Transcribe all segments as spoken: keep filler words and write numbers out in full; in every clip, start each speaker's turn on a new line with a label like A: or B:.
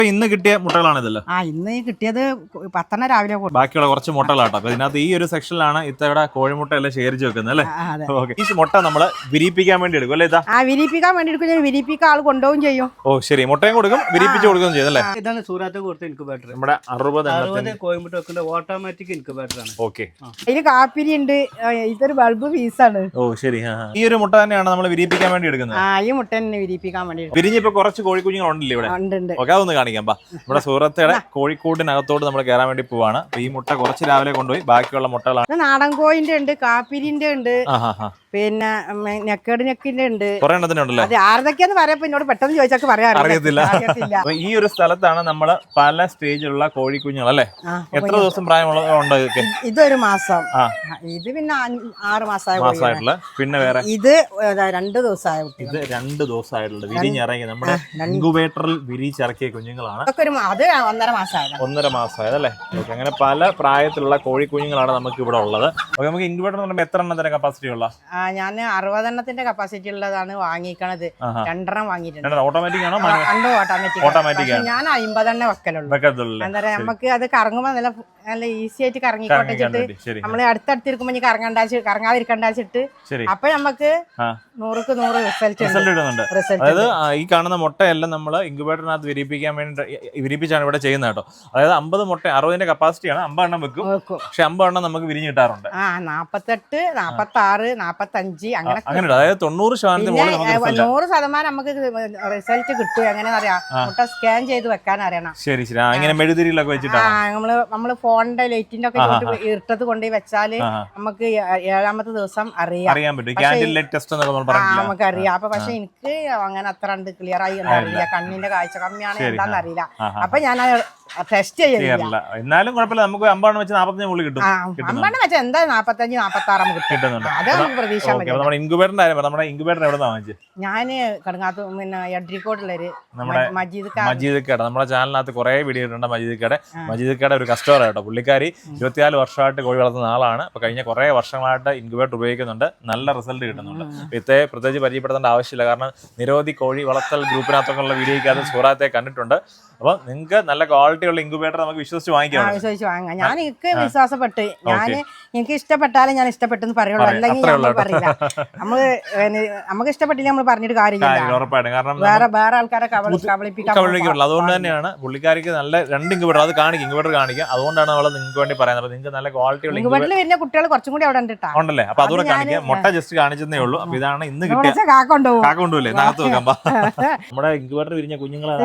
A: ഇന്ന് കിട്ടിയ മുട്ടകളാണ് ഇതല്ലോ?
B: ആ ഇന്ന് കിട്ടിയത് പത്തെണ്ണം രാവിലെ.
A: ബാക്കിയുള്ള കുറച്ച് മുട്ടകളാട്ടോ. അപ്പൊ ഇതിനകത്ത് ഈ ഒരു സെക്ഷനിലാണ് ഇത്തവണ കോഴിമുട്ട എല്ലാം ശേഖരിച്ച് വെക്കുന്നത് അല്ലേ? ഓക്കെ. ഈ മുട്ട നമ്മള് വിരിയിപ്പിക്കാൻ വേണ്ടി എടുക്കും അല്ലേ? ഇതാ
B: ആ വിരിയിപ്പിക്കാൻ വേണ്ടി എടുക്കും. വിരിയിപ്പിക്കാൻ ആൾ കൊണ്ടുപോകും ചെയ്യും.
A: ഓ ശരി. മുട്ടയും കൊടുക്കും, വിരിയിപ്പിച്ച് കൊടുക്കുകയും ചെയ്യും അല്ലേ?
C: ഇതാണ് സൂറത്ത് കൊടുത്ത ഇൻക്യുബേറ്റർ.
A: നമ്മുടെ അറുപത്
C: കോയമ്പട്ട് വെക്കുന്ന ഓട്ടോമാറ്റിക് ഇൻക്യുബേറ്റർ ആണ്.
A: ഓക്കെ.
B: അതില് കാപ്പിരി ഉണ്ട്. ഇതൊരു ബൾബ് പീസാണ്.
A: ഓ ശരി. ഈ ഒരു മുട്ട തന്നെയാണ് നമ്മൾ വിരിയിപ്പിക്കാൻ വേണ്ടി എടുക്കുന്നത്.
B: ആ ഈ മുട്ട തന്നെ വിരിയിപ്പിക്കാൻ വേണ്ടി.
A: വിരിഞ്ഞിപ്പോ കുറച്ച് കോഴിക്കുഞ്ഞുങ്ങൾ ഉണ്ടല്ലോ ഇവിടെ? ഓക്കെ, അതൊന്ന് കാണിക്കാം. ബാ, നമ്മുടെ സൂറത്തയുടെ കോഴിക്കൂടിനകത്തോട് നമ്മൾ കയറാൻ വേണ്ടി പോവാണ്. ഈ മുട്ട കുറച്ച് രാവിലെ കൊണ്ടുപോയി ബാക്കിയുള്ള മുട്ടകളാണ്.
B: നാടൻ കോഴിന്റെ ഉണ്ട്, കാപ്പിരിന്റെ ഉണ്ട്, പിന്നെ നെക്കേട് നെക്കിന്റെ ഉണ്ട്.
A: കുറെ എണ്ണത്തിനുണ്ടല്ലോ.
B: അത് ആരതൊക്കെയാന്ന് പറയാ എന്നോട് പെട്ടെന്ന് ചോദിച്ചാൽ പറയാൻ
A: അറിയത്തില്ല. ഈ ഒരു സ്ഥലത്താണ് നമ്മള് പല സ്റ്റേജിലുള്ള കോഴിക്കുഞ്ഞുങ്ങൾ അല്ലേ? എത്ര ദിവസം പ്രായമുണ്ട് ഇതൊക്കെ?
B: ഇതൊരു മാസം. ഇത് പിന്നെ ആറ് മാസമായിട്ടുള്ള.
A: പിന്നെ വേറെ ഇത്
B: രണ്ട് ദിവസമായ.
A: ഇത് രണ്ട് ദിവസമായിട്ടുള്ള വിരിഞ്ഞിറങ്ങി നമ്മുടെ ഇൻക്യുബേറ്ററിൽ വിരിച്ചിറക്കിയ കുഞ്ഞുങ്ങളാണ്.
B: അത് ഒന്നര മാസമായത്.
A: ഒന്നര മാസമായതല്ലേ? ഓക്കെ. അങ്ങനെ പല പ്രായത്തിലുള്ള കോഴിക്കുഞ്ഞുങ്ങളാണ് നമുക്ക് ഇവിടെ ഉള്ളത്. ഓക്കെ. നമുക്ക് ഇൻക്യുബേറ്റർ എന്ന് പറയുമ്പോൾ എത്ര എണ്ണത്തിന്റെ കപ്പാസിറ്റി ഉള്ള?
B: ഞാൻ അറുപതെണ്ണത്തിന്റെ കപ്പാസിറ്റി ഉള്ളതാണ് വാങ്ങിക്കണത്. രണ്ടെണ്ണം വാങ്ങിയിട്ടുണ്ട്.
A: ഓട്ടോമാറ്റിക് ആണോ?
B: ഓട്ടോമാറ്റിക്. ഞാൻ അമ്പതെണ്ണ വെക്കലുള്ളൂ. എന്താ പറയാ, നമുക്ക് അത് കറങ്ങുമ്പോ നല്ല നല്ല ഈസി ആയിട്ട് കറങ്ങിക്കോട്ടിച്ചിട്ട് നമ്മള് അടുത്തടുത്തിരിക്കുമ്പോ ഇനി കറങ്ങണ്ട കറങ്ങാതിരിക്കണ്ടാച്ചിട്ട് അപ്പൊ നമുക്ക് നൂറുക്ക് നൂറ് റിസൾട്ട്
A: ഇടുന്നുണ്ട്. അതായത് ഈ കാണുന്ന മുട്ടയെല്ലാം നമ്മൾ ഇൻക്യുബേറ്ററിനകത്ത് വിരിപ്പിക്കാൻ വേണ്ടി വിരിപ്പിച്ചാണ് ഇവിടെ ചെയ്യുന്നത് കേട്ടോ. അതായത് അമ്പത് മുട്ട അറുപതിന്റെ കപ്പാസിറ്റിയാണ്. അമ്പത് എണ്ണം വെക്കും, പക്ഷെ അമ്പത് എണ്ണം നമുക്ക് വിരിഞ്ഞ് കിട്ടാറുണ്ട്.
B: ആ നാപ്പത്തെട്ട് നാപ്പത്തി ആറ് നാപ്പത്തഞ്ച് അങ്ങനെ
A: അങ്ങനെ. അതായത് തൊണ്ണൂറ് ശതമാനം
B: നൂറ് ശതമാനം നമുക്ക് റിസൾട്ട് കിട്ടും. എങ്ങനെ അറിയാം? മുട്ട സ്കാൻ ചെയ്ത് വെക്കാൻ അറിയണം.
A: ശരി ശരി. ഇങ്ങനെ മെഴുതിരിയിലൊക്കെ വെച്ചിട്ടാണ്
B: നമ്മള് നമ്മള് ഫോണിന്റെ ലൈറ്റിന്റെ ഒക്കെ ഇട്ടത് കൊണ്ടുപോയി വെച്ചാല് നമുക്ക് ഏഴാമത്തെ ദിവസം അറിയാം
A: അറിയാൻ പറ്റും. ക്യാൻഡിൽ ലൈറ്റ് ടെസ്റ്റ്
B: നമുക്ക് അറിയാം. അപ്പൊ പക്ഷെ എനിക്ക് അങ്ങനെ അത്ര കണ്ട് ക്ലിയർ ആയി അറിയില്ല. കണ്ണിന്റെ കാഴ്ച കമ്മിയാണ് എന്താന്ന് അറിയില്ല. അപ്പൊ ഞാൻ ടെസ്റ്റ് ചെയ്യില്ല.
A: എന്നാലും കുഴപ്പമില്ല. നമുക്ക് അമ്പെണ്ണം വെച്ച് നാപ്പത്തഞ്ച് മുകളിൽ കിട്ടും.
B: അമ്പെണ്ണം വെച്ചാൽ എന്താ നാപ്പത്തഞ്ച് നാപ്പത്തി ആറ് നമുക്ക് കിട്ടുന്നുണ്ട്. അത് നമുക്ക് പ്രതീക്ഷ.
A: നമ്മുടെ ഇൻക്യുബേറ്ററിന്റെ കാര്യം നമ്മുടെ ഇൻക്യുബേറ്റർ എവിടെ നിന്നാണ് വാങ്ങിച്ചത്?
B: ഞാന് കടങ്ങാത്ത പിന്നെ എഡ്രിക്കോട്ടുള്ളൊരു
A: നമ്മുടെ മജീദ് കട. നമ്മുടെ ചാനലിനകത്ത് കുറെ വീഡിയോ ഇട്ടുണ്ട് മജീദ് കട. മജീദ് കട ഒരു കസ്റ്റമർ ആട്ടോ. പുള്ളിക്കാരി ഇരുപത്തിനാല് വർഷമായിട്ട് കോഴി വളർത്തുന്ന ആളാണ്. അപ്പൊ കഴിഞ്ഞ കുറെ വർഷങ്ങളായിട്ട് ഇൻക്യുബേറ്റർ ഉപയോഗിക്കുന്നുണ്ട്. നല്ല റിസൾട്ട് കിട്ടുന്നുണ്ട്. ഇത്തെ പ്രത്യേകിച്ച് പരിചയപ്പെടുത്തേണ്ട ആവശ്യമില്ല. കാരണം നിരവധി കോഴി വളർത്തൽ ഗ്രൂപ്പിനകത്തൊക്കെ ഉള്ള വീഡിയോയ്ക്കകത്ത് സൂറാത്തെ കണ്ടിട്ടുണ്ട്. അപ്പൊ നിങ്ങൾക്ക് നല്ല ക്വാളിറ്റി ഉള്ള ഇൻക്യുബേറ്റർ നമുക്ക് വിശ്വസിച്ച് വാങ്ങിക്കാം.
B: വിശ്വസിച്ച് വാങ്ങാം. ഞാൻ എനിക്ക് വിശ്വാസപ്പെട്ട് ഞാൻ എനിക്ക് ഇഷ്ടപ്പെട്ടാലും ഞാൻ ഇഷ്ടപ്പെട്ടെന്ന് പറയുള്ളൂ. അല്ലെങ്കിൽ നമ്മൾ പറയില്ല. നമ്മള് നമുക്ക് ഇഷ്ടപ്പെട്ടില്ല നമ്മൾ പറഞ്ഞിട്ട് കാര്യമില്ല.
A: ഉറപ്പായിട്ടും. കാരണം
B: വേറെ വേറെ ആൾക്കാരെ കബളിപ്പിക്കാൻ.
A: അതുകൊണ്ട് തന്നെയാണ് പുള്ളിക്കാരിക്ക് നല്ല രണ്ട് ഇൻക്യുബേറ്റർ അത് കാണിക്കും ഇൻക്യുബേറ്റർ കാണിക്കാം. അതുകൊണ്ടാണ് നമ്മൾ നിങ്ങൾക്ക് വേണ്ടി പറയുന്നത്. നിങ്ങൾക്ക് നല്ല ക്വാളിറ്റി ഉള്ള
B: ഇൻക്യുബേറ്ററിൽ വരുന്ന കുട്ടികൾ കുറച്ചും കൂടി അവിടെ
A: ഉണ്ടല്ലേ? അപ്പൊ അതുകൂടെ കാണിക്കാം. മുട്ട ജസ്റ്റ് കാണിച്ചതേ ഉള്ളൂ. അപ്പൊ ഇതാണ് ഇന്ന് കിട്ടിയ
B: കാക്കൊണ്ടുപോകും.
A: കാക്കൊണ്ടുപോയില്ലേ? നാഗത്ത് വെക്കാം. നമ്മുടെ ഇൻക്യുബേറ്റർ വിരിഞ്ഞ കുഞ്ഞുങ്ങളാണ്.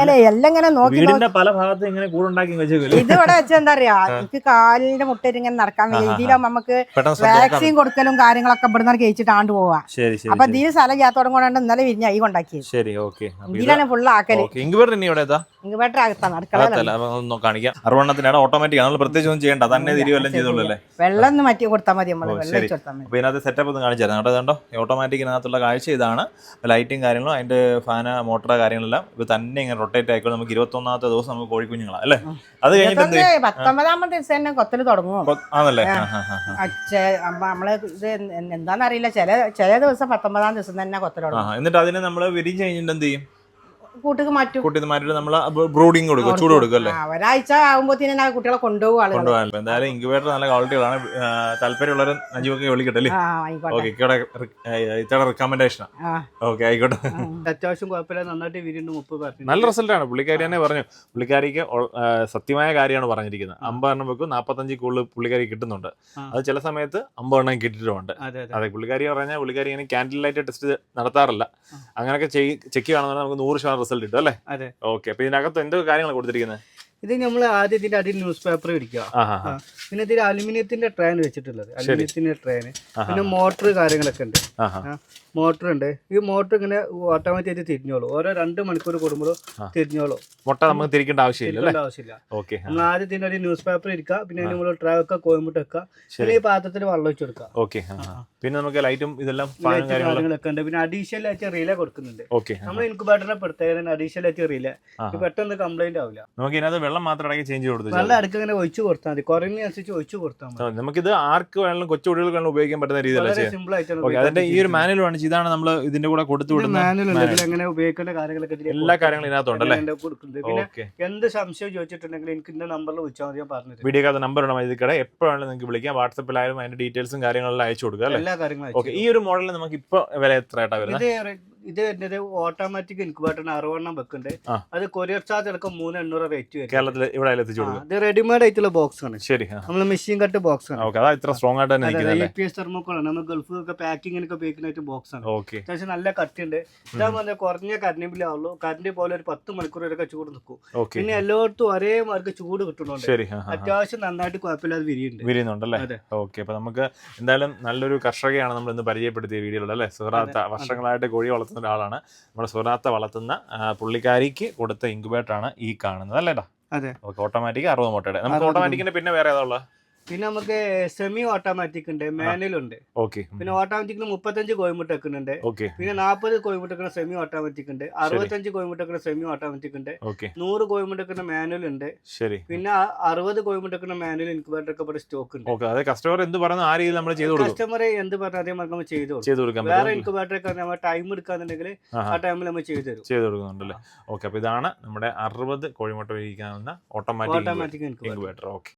B: വീടിന്റെ
A: പല ഭാഗത്തും ഇങ്ങനെ കൂടുണ്ടാക്കി വെച്ചേക്കില്ല.
B: ഇത് ഇവിടെ വെച്ചാൽ എന്താ പറയാ, എനിക്ക് കാലിന്റെ മുട്ടയിൽ ഇങ്ങനെ നടക്കാൻ വയ്യ. ഇതിലാകുമ്പോ നമുക്ക് വാക്സിൻ കൊടുക്കലും കാര്യങ്ങളൊക്കെ ഇവിടുന്ന് കഴിച്ചിട്ട് ആണ്ട് പോവാ. അപ്പൊ ഇതിന് സ്ഥലം ചെയ്യാത്തോടും കൊണ്ടാണ് ഇന്നലെ വിരിഞ്ഞ ഈ കൊണ്ടാക്കിയത്.
A: ശരി, ഓക്കെ.
B: ഇതിലാണ് ഫുള്ള് ആക്കല്.
A: ഇൻക്യുബേറ്റർ ഇനി ഇവിടെ
B: ഇൻക്യുബേറ്റർ അകത്താണ് അടുക്കള.
A: കാണിക്കാം. അറുപണ്ണത്തിനാണ് ഓട്ടോമാറ്റിക്. നമ്മൾ പ്രത്യേകിച്ച് ഒന്നും ചെയ്യണ്ട. തന്നെ തിരിവെല്ലാം ചെയ്തോളൂ അല്ലേ?
B: വെള്ളം ഒന്ന് മാറ്റി കൊടുത്താൽ മതി. നമ്മള് വെള്ളം കൊടുത്താൽ മതി.
A: അപ്പൊ ഇതിനകത്ത് സെറ്റപ്പ് ഒന്ന് കാണിച്ചു തരാം കേട്ടോ. ഇതുണ്ടോ ഓട്ടോമാറ്റിക്കിനകത്തുള്ള കാഴ്ച ഇതാണ്. ലൈറ്റും കാര്യങ്ങളും അതിന്റെ ഫാന മോട്ടർ കാര്യങ്ങളെല്ലാം ഇപ്പൊ തന്നെ ഇങ്ങനെ റൊട്ടേറ്റ് ആയിക്കോളും. നമുക്ക് ഇരുപത്തി ഒന്നാമത്തെ ദിവസം നമുക്ക് കോഴിക്കുഞ്ഞുങ്ങളാ അല്ലേ? അത് കഴിഞ്ഞിട്ട്
B: പത്തൊമ്പതാമത്തെ ദിവസം തന്നെ കൊത്തല് തുടങ്ങും
A: ആണല്ലേ?
B: നമ്മള് ഇത് എന്താന്നറിയില്ല. ചില ചില ദിവസം പത്തൊമ്പതാം ദിവസം തന്നെ കൊത്തല് തുടങ്ങും.
A: എന്നിട്ട് അതിനെ നമ്മള് വിരിഞ്ഞ് കഴിഞ്ഞിട്ട് എന്ത് ചെയ്യും?
B: കൂട്ടിക്ക് മാറ്റും.
A: കൂട്ടിന്ന് മാറ്റിട്ട് നമ്മള് ബ്രൂഡിങ് കൊടുക്കും, ചൂട് കൊടുക്കും അല്ലേ?
B: ഒരാഴ്ച ആകുമ്പോഴത്തേനും കുട്ടികളെ കൊണ്ടുപോകും.
A: കൊണ്ടുപോകാൻ എന്തായാലും ഇൻക്യുബേറ്റർ നല്ല ക്വാളിറ്റികളാണ്. താല്പര്യമുള്ളവർ നജീബൊക്കെ വിളിക്കട്ടെ. ഇത്തവണ റെക്കമെൻഡേഷൻ ഓക്കെ ആയിക്കോട്ടെ.
C: അത്യാവശ്യം കുഴപ്പമില്ല, നന്നായിട്ട് വിരിയുണ്ട്. മുപ്പത്
A: നല്ല റിസൾട്ടാണ്. പുള്ളിക്കാരി തന്നെ പറഞ്ഞു. പുള്ളിക്കാരിക്ക് സത്യമായ കാര്യമാണ് പറഞ്ഞിരിക്കുന്നത്. അമ്പതെണ്ണം വെക്കും, നാപ്പത്തഞ്ച് കൂടുതൽ പുള്ളിക്കാരി കിട്ടുന്നുണ്ട്. അത് ചില സമയത്ത് അമ്പതെണ്ണം കിട്ടിയിട്ടുമുണ്ട്. അതെ, പുള്ളിക്കാരി പറഞ്ഞാൽ പുള്ളിക്കാരി ഇങ്ങനെ ക്യാൻഡിൽ ലൈറ്റ് ടെസ്റ്റ് നടത്താറില്ല. അങ്ങനെയൊക്കെ ചെക്ക് ചെയ്യുകയാണെന്നുണ്ടെങ്കിൽ നമുക്ക് നൂറ് ശതമാനം റിസൾട്ട് കിട്ടും അല്ലേ?
C: അതെ,
A: ഓക്കെ. അപ്പൊ ഇതിനകത്ത് എന്തൊക്കെ കാര്യങ്ങൾ കൊടുത്തിരിക്കുന്നത്?
C: ഇത് നമ്മൾ ആദ്യം ഇതിന്റെ അടിയിൽ ന്യൂസ് പേപ്പർ പിടിക്കുക. പിന്നെ ഇതിൽ അലുമിനിയത്തിന്റെ ട്രെയിൻ വെച്ചിട്ടുള്ളത്. അലുമിനിയത്തിന്റെ ട്രെയിൻ, പിന്നെ മോട്ടർ കാര്യങ്ങളൊക്കെ ഉണ്ട്. മോട്ടർ ഉണ്ട്. ഈ മോട്ടർ ഇങ്ങനെ ഓട്ടോമാറ്റിക് ആയിട്ട് തിരിഞ്ഞോളൂ. ഓരോ രണ്ട് മണിക്കൂർ കൂടുമ്പോൾ തിരിഞ്ഞോളൂ.
A: മുട്ട നമുക്ക് തിരിക്കേണ്ട ആവശ്യമില്ല.
C: ആവശ്യമില്ല. നമ്മൾ ആദ്യം ഇതിന്റെ ഒരു ന്യൂസ് പേപ്പർ ഇരിക്കുക. പിന്നെ നമ്മൾ ട്രേ വെക്കുക, കോയമ്പട്ട് വെക്കുക. പിന്നെ ഈ പാത്രത്തിൽ വെള്ളം വെച്ച് കൊടുക്കുക.
A: ഓക്കെ. പിന്നെ നമുക്ക് ലൈറ്റും ഇതെല്ലാം
C: കാര്യങ്ങളൊക്കെ ഉണ്ട്. പിന്നെ അഡീഷണൽ ആയിട്ട് റിലേ കൊടുക്കുന്നുണ്ട്. നമ്മൾ ഇൻക്യുബേറ്ററിനെ പ്രത്യേകത അഡീഷണൽ ആയിട്ട് റിലേ പെട്ടെന്ന് കംപ്ലൈന്റ് ആവില്ല.
A: നമുക്ക് ഇതിനകത്ത് വെള്ളം മാത്രം ഇടയ്ക്ക് ചേഞ്ച് കൊടുത്തു.
C: വെള്ളം ഇടയ്ക്ക് ഇങ്ങനെ ഒഴിച്ചു കൊടുത്താൽ മതി, കുറഞ്ഞനുസരിച്ച് ഒഴിച്ചു കൊടുത്താൽ മതി.
A: നമുക്കിത് ആർക്ക് വേണമെങ്കിലും കൊച്ചു കുട്ടികൾക്ക് വേണം ഉപയോഗിക്കാൻ പറ്റുന്ന രീതിയിലാണ്
C: സിമ്പിൾ ആയിട്ടാണ്.
A: അതിന്റെ ഈ ഒരു മാനുവൽ ആണ്, ഇതാണ് നമ്മൾ ഇതിന്റെ കൂടെ കൊടുത്തു വിടുന്ന
C: മാനുവൽ, എങ്ങനെ ഉപയോഗിക്കേണ്ട കാര്യങ്ങളൊക്കെ
A: എല്ലാ കാര്യങ്ങളും ഇതിനകത്തുണ്ടല്ലേ.
C: പിന്നെ എന്ത് സംശയം ചോദിച്ചിട്ടുണ്ടെങ്കിൽ എനിക്ക് ഇന്ന നമ്പറിൽ വിളിച്ചാൽ മതി, ഞാൻ പറഞ്ഞത്.
A: വീഡിയോക്കകത്ത് നമ്പർ ഉണ്ട് മജീദിക്കയുടെ, എപ്പോഴാണ് നിങ്ങൾക്ക് വിളിക്കാം. വാട്സപ്പിലായാലും അതിന്റെ ഡീറ്റെയിൽസും കാര്യങ്ങളെല്ലാം അയച്ചു കൊടുക്കുക അല്ലേ.
C: എല്ലാ കാര്യങ്ങളും.
A: ഓക്കെ, ഈ ഒരു മോഡലിൽ നമുക്ക് ഇപ്പൊ വില എത്ര ആയിട്ടാ വരുന്നത്?
C: ഇത് വരുന്നത് ഓട്ടോമാറ്റിക് ഇൻക്യുബേറ്ററിന് അറുപെണ്ണം വെക്കുന്നുണ്ട്. അത് കൊറിയർ ചാർജ് അടക്കം മൂന്ന് എണ്ണൂറ് റേറ്റ് വരും.
A: കേരളത്തിൽ ഇവിടെ എത്തിച്ചു കൊടുക്കും.
C: ഇത് റെഡിമെയ്ഡ് ആയിട്ടുള്ള ബോക്സ് ആണ്.
A: ശരി,
C: നമ്മൾ മെഷീൻ കട്ട് ബോക്സ് ആണ്.
A: അതാ ഇത്ര സ്ട്രോങ് ആയിട്ട് തന്നെ
C: ഇ പി എസ് തെർമോക്കോളാണ്. നമ്മൾ ഗൾഫിലൊക്കെ പാക്കിങ്ങിനൊക്കെ ഉപയോഗിക്കുന്ന ബോക്സ് ആണ്. അത്യാവശ്യം നല്ല കട്ടിയുണ്ട്. ഇതാ പറഞ്ഞാൽ കുറഞ്ഞ കറണ്ട് ബില്ലേ ആവുള്ളൂ. കറണ്ട് പോലെ ഒരു പത്ത് മണിക്കൂർ വരെ ചൂട് നിൽക്കും. പിന്നെ എല്ലായിടത്തും ഒരേ മാർക്ക് ചൂട് കിട്ടുന്നുണ്ട്. അത്യാവശ്യം നന്നായിട്ട് കുഴപ്പമില്ലാതെ വിരിയുന്നുണ്ട്
A: വിരിയുന്നുണ്ടല്ലേ. ഓക്കെ, അപ്പൊ നമുക്ക് എന്തായാലും നല്ലൊരു കർഷകയാണ് നമ്മൾ ഇന്ന് പരിചയപ്പെടുത്തിയ വീഡിയോയിൽ അല്ലേ. സുഹറാത്ത വർഷങ്ങളായിട്ട് കോഴി വളർത്തുന്ന ഒരാളാണ്. നമ്മുടെ സുഹറാത്ത വളർത്തുന്ന പുള്ളിക്കാരിക്ക് കൊടുത്ത ഇൻക്യുബേറ്റർ ആണ് ഈ കാണുന്നത് അല്ലേടാ.
C: അതെ,
A: ഓട്ടോമാറ്റിക് അറുപത് മുട്ടയുടെ. നമുക്ക് ഓട്ടോമാറ്റിക്കിന്റെ പിന്നെ വേറെ ഏതാ ഉള്ളത്?
C: പിന്നെ നമുക്ക് സെമി ഓട്ടോമാറ്റിക് ഉണ്ട്, മാനുവൽ ഉണ്ട്.
A: ഓക്കെ,
C: പിന്നെ ഓട്ടോമാറ്റിക്കിന് മുപ്പത്തഞ്ച് കോഴിമുട്ട വെക്കുന്നുണ്ട്.
A: ഓക്കെ,
C: പിന്നെ നാൽപ്പത് കോഴിമുട്ട വെക്കുന്ന സെമി ഓട്ടോമാറ്റിക് ഉണ്ട്. അറുപത്തഞ്ച് കോഴിമുട്ട വെക്കുന്ന സെമി ഓട്ടോമാറ്റിക് ഉണ്ട്.
A: ഓക്കെ,
C: നൂറ് കോഴിമുട്ട വെക്കുന്ന മാനുവൽ ഉണ്ട്.
A: ശരി.
C: പിന്നെ അറുപത് കോഴിമുട്ട വെക്കുന്ന മാനുവൽ ഇൻക്യുബേറ്റർ ഒക്കെ ഇവിടെ സ്റ്റോക്ക് ഉണ്ട്.
A: ഓക്കെ, അത് കസ്റ്റമർ എന്ത് പറയുന്നു ആ രീതിയിൽ നമ്മൾ ചെയ്തു കൊടുക്കും.
C: കസ്റ്റമർ എന്ത് പറഞ്ഞാൽ അതേ നമ്മൾ ചെയ്തു
A: ചെയ്തു കൊടുക്കാം.
C: വേറെ ഇൻക്യുബേറ്റർ ഒക്കെ നമ്മൾ ടൈം എടുക്കാന്നുണ്ടെങ്കിൽ ആ ടൈമിൽ നമ്മൾ ചെയ്തു തരും,
A: ചെയ്തു കൊടുക്കുന്നുണ്ടല്ലേ. ഓക്കെ, അപ്പൊ ഇതാണ് നമ്മുടെ അറുപത് കോഴിമുട്ട വിരിക്കാവുന്ന ഓട്ടോമാറ്റിക് ഇൻക്യുബേറ്റർ. ഓക്കെ.